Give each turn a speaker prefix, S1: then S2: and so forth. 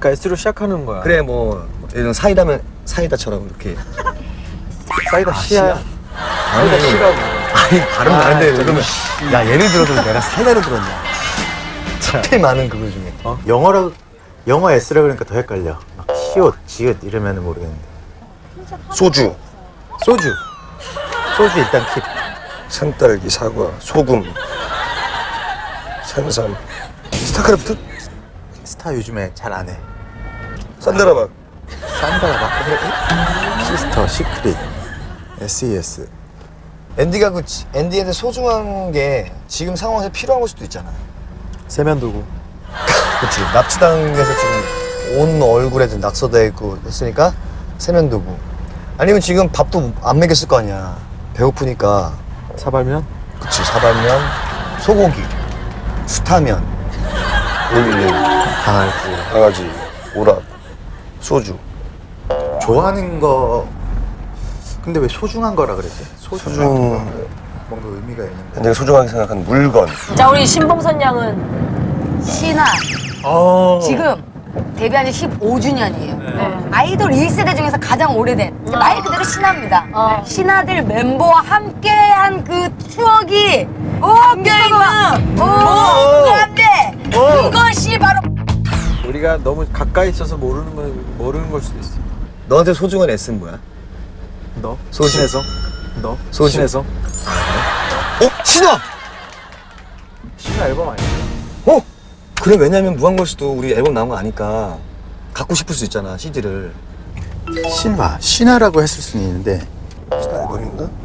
S1: 그러니까 S로 시작하는 거야.
S2: 그래 뭐 예를 들어 사이다면 사이다처럼 이렇게.
S1: 사이다 C야. 사이다 C라고.
S2: 아니 발음 다른데 그러면
S3: 야 예를 들어도 내가 사이다로 들었냐?
S2: 제일 많은 그거 중에.
S3: 영어 S라 그러니까 더 헷갈려. 막 시옷, 지읒 이러면 모르겠는데.
S2: 소주,
S3: 소주 일단 킵.
S2: 산딸기, 사과, 소금, 산삼, 스타크래프트,
S3: 스타 요즘에 잘 안 해.
S2: 산다라박.
S3: 산다가 막 시스터, 시크릿, SES.
S2: 앤디가 앤디한테 소중한 게 지금 상황에서 필요한 걸 수도 있잖아.
S1: 세면도구.
S2: 그치. 납치당해서 지금 온 얼굴에 낙서돼 있고 했으니까 세면도구. 아니면 지금 밥도 안 먹였을 거 아니야. 배고프니까.
S1: 사발면?
S2: 그치. 사발면, 소고기, 수타면, 올리브, 강아지, 오락, 소주.
S3: 좋아하는 거. 근데 왜 소중한 거라 그랬지?
S2: 소중.
S3: 뭔가 의미가 있는 거.
S2: 내가 소중하게 생각한 물건.
S4: 자, 우리 신봉선 양은
S5: 신화. 지금 데뷔한 지 15주년이에요. 아이돌 1세대 중에서 가장 오래된 말 그대로 신화입니다. 신화들 멤버와 함께한 그 추억이 담겨있는 무한대 그것이 바로
S1: 우리가 너무 가까이 있어서 모르는 걸 수도 있어.
S2: 너한테 소중한 S는 뭐야?
S1: 너?
S2: 소주.
S1: 신에서? 너?
S2: 소주.
S1: 신에서?
S2: 신화!
S1: 신화 앨범 아니야?
S2: 그래, 왜냐면 무한걸스도 우리 앨범 나온 거 아니까 갖고 싶을 수 있잖아, CD를.
S3: 신화라고 했을 수는 있는데
S2: 신화 앨범인가?